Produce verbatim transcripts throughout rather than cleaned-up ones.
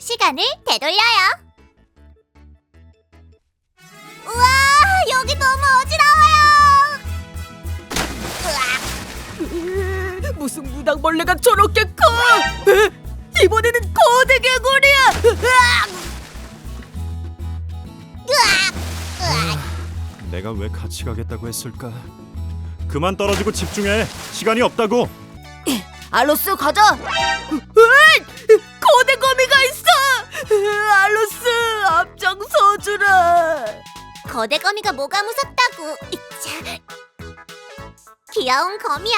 시간을 되돌려요. 우와, 여기 너무 어지러워요. 으, 무슨 무당벌레가 저렇게 커? 으, 이번에는 거대 개구리야. 으악! 으악, 으악. 내가 왜 같이 가겠다고 했을까? 그만 떨어지고 집중해. 시간이 없다고. 알로스 가자. 으이! 거대 거미가 있어. 으, 알로스 앞장서주라. 거대 거미가 뭐가 무섭다고. 이차. 귀여운 거미야.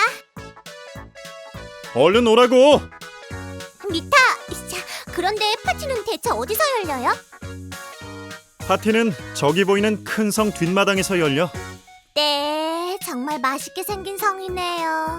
얼른 오라고. 미타. 이차. 그런데 파티는 대체 어디서 열려요? 파티는 저기 보이는 큰 성 뒷마당에서 열려. 네, 정말 맛있게 생긴 성이네요.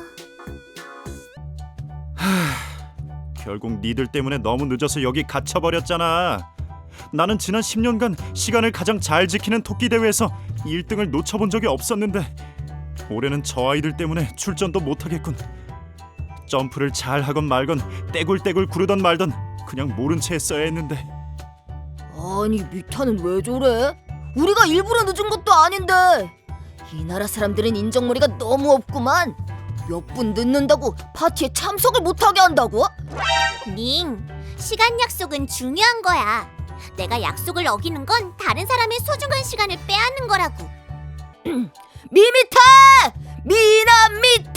결국 니들 때문에 너무 늦어서 여기 갇혀버렸잖아. 나는 지난 십 년간 시간을 가장 잘 지키는 토끼 대회에서 일 등을 놓쳐본 적이 없었는데 올해는 저 아이들 때문에 출전도 못하겠군. 점프를 잘 하건 말건 떼굴떼굴 구르던 말던 그냥 모른 채 했어야 했는데. 아니 미타는 왜 저래? 우리가 일부러 늦은 것도 아닌데. 이 나라 사람들은 인정머리가 너무 없구만. 몇 분 늦는다고 파티에 참석을 못하게 한다고? 닝, 시간 약속은 중요한 거야. 내가 약속을 어기는 건 다른 사람의 소중한 시간을 빼앗는 거라고. 미미타! 미나 미타!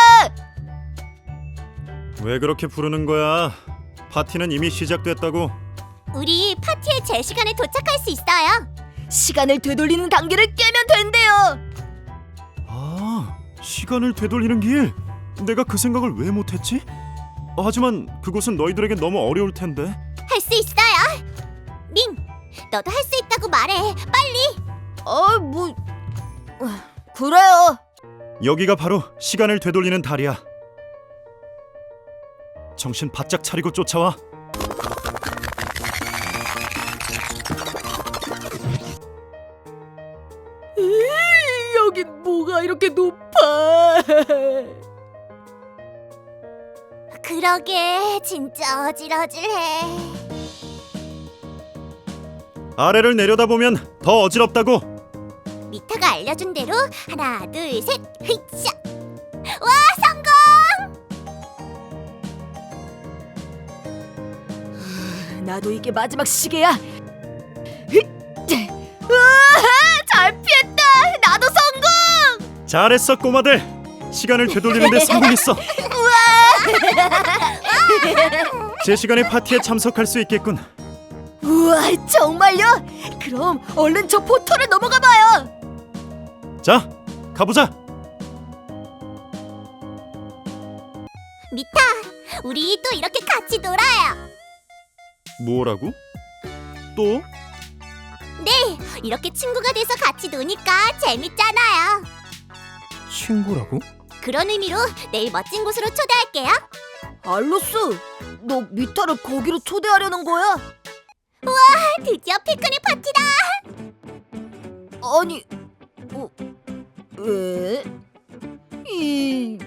왜 그렇게 부르는 거야? 파티는 이미 시작됐다고. 우리 파티에 제 시간에 도착할 수 있어요. 시간을 되돌리는 단계를 깨면 된대요. 아, 시간을 되돌리는 길. 내가 그 생각을 왜 못했지? 하지만 그곳은 너희들에게 너무 어려울 텐데. 할 수 있어요. 닝, 너도 할 수 있다고 말해. 빨리. 아, 뭐 그래요. 여기가 바로 시간을 되돌리는 달이야. 정신 바짝 차리고 쫓아와. 여긴 뭐가 이렇게 높아? 그러게, 진짜 어질어질해. 아래를 내려다보면 더 어지럽다고. 미타가 알려준 대로 하나, 둘, 셋, 흐이차! 와, 성공! 나도 이게 마지막 시계야. 우와, 잘 피했다. 나도 성공. 잘했어 꼬마들. 시간을 되돌리는데 성공했어. 제 시간에 파티에 참석할 수 있겠군. 우와, 정말요? 그럼 얼른 저 포털을 넘어가 봐요. 자, 가보자. 미타, 우리 또 이렇게 같이 놀아요. 뭐라고? 또? 네, 이렇게 친구가 돼서 같이 노니까 재밌잖아요. 친구라고? 그런 의미로 내일 멋진 곳으로 초대할게요. 알로스, 너 미타를 거기로 초대하려는 거야? 드디어 피크닉 파티다. 아니, 어, 왜? 이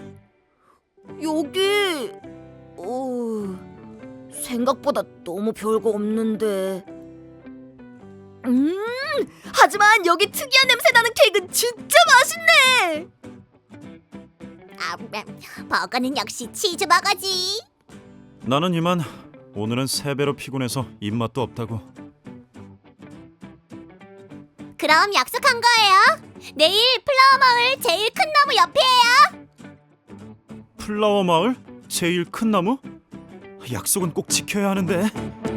여기 어 생각보다 너무 별거 없는데. 음, 하지만 여기 특이한 냄새 나는 케이크는 진짜 맛있네. 아, 버거는 역시 치즈 버거지. 나는 이만. 오늘은 세 배로 피곤해서 입맛도 없다고. 그럼 약속한 거예요. 내일 플라워 마을 제일 큰 나무 옆이에요. 플라워 마을? 제일 큰 나무? 약속은 꼭 지켜야 하는데.